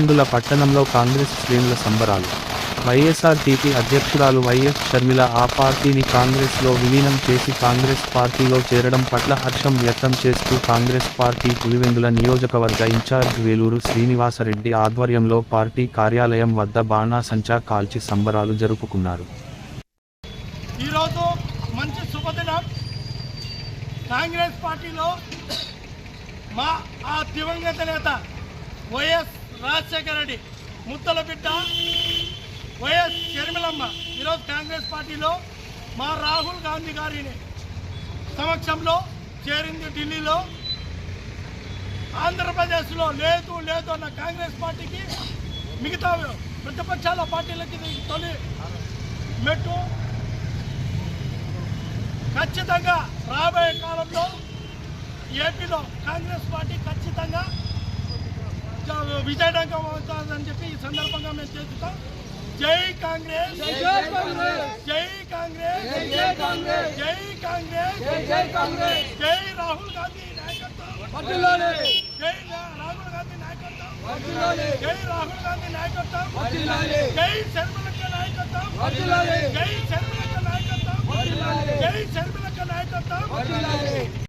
పులివెందుల పట్టణంలో కాంగ్రెస్ శ్రేణుల సంబరాలు. వైఎస్ఆర్టీపీ అధ్యక్షురాలు వైఎస్ షర్మిల ఆ పార్టీని కాంగ్రెస్లో విలీనం చేసి కాంగ్రెస్ పార్టీలో చేరడం పట్ల హర్షం వ్యక్తం చేస్తూ కాంగ్రెస్ పార్టీ పులివెందుల నియోజకవర్గ ఇన్ఛార్జ్ వేలూరు శ్రీనివాసరెడ్డి ఆధ్వర్యంలో పార్టీ కార్యాలయం వద్ద బాణాసంచా కాల్చి సంబరాలు జరుపుకున్నారు. ఈరోజు మంచి శుభదినం. కాంగ్రెస్ పార్టీలో మా ఆ దివంగత నేత వైఎస్ రాజశేఖర రెడ్డి ముత్తల బిడ్డ వైఎస్ షర్మిలమ్మ ఈరోజు కాంగ్రెస్ పార్టీలో మా రాహుల్ గాంధీ గారిని సమక్షంలో చేరింది. ఢిల్లీలో ఆంధ్రప్రదేశ్లో లేదు లేదు అన్న కాంగ్రెస్ పార్టీకి మిగతా ప్రతిపక్షాల పార్టీలకి తొలి మెట్టు. ఖచ్చితంగా రాబోయే కాలంలో ఏపీలో కాంగ్రెస్ పార్టీ ఖచ్చితంగా విజయడంగం అవుతుందని చెప్పి ఈ సందర్భంగా మేము చేస్తాం. జై కాంగ్రెస్, జై కాంగ్రెస్, జై కాంగ్రెస్, జై కాంగ్రెస్, జై కాంగ్రెస్, జై కాంగ్రెస్, జై రాహుల్ గాంధీ నాయకత్వం, జై రాహుల్ గాంధీ నాయకత్వం, జై రాహుల్ గాంధీ నాయకత్వం, జై షర్మిలక్క నాయకత్వం, జై షర్మిలక్క నాయకత్వం, జై షర్మిలక్క నాయకత్వం.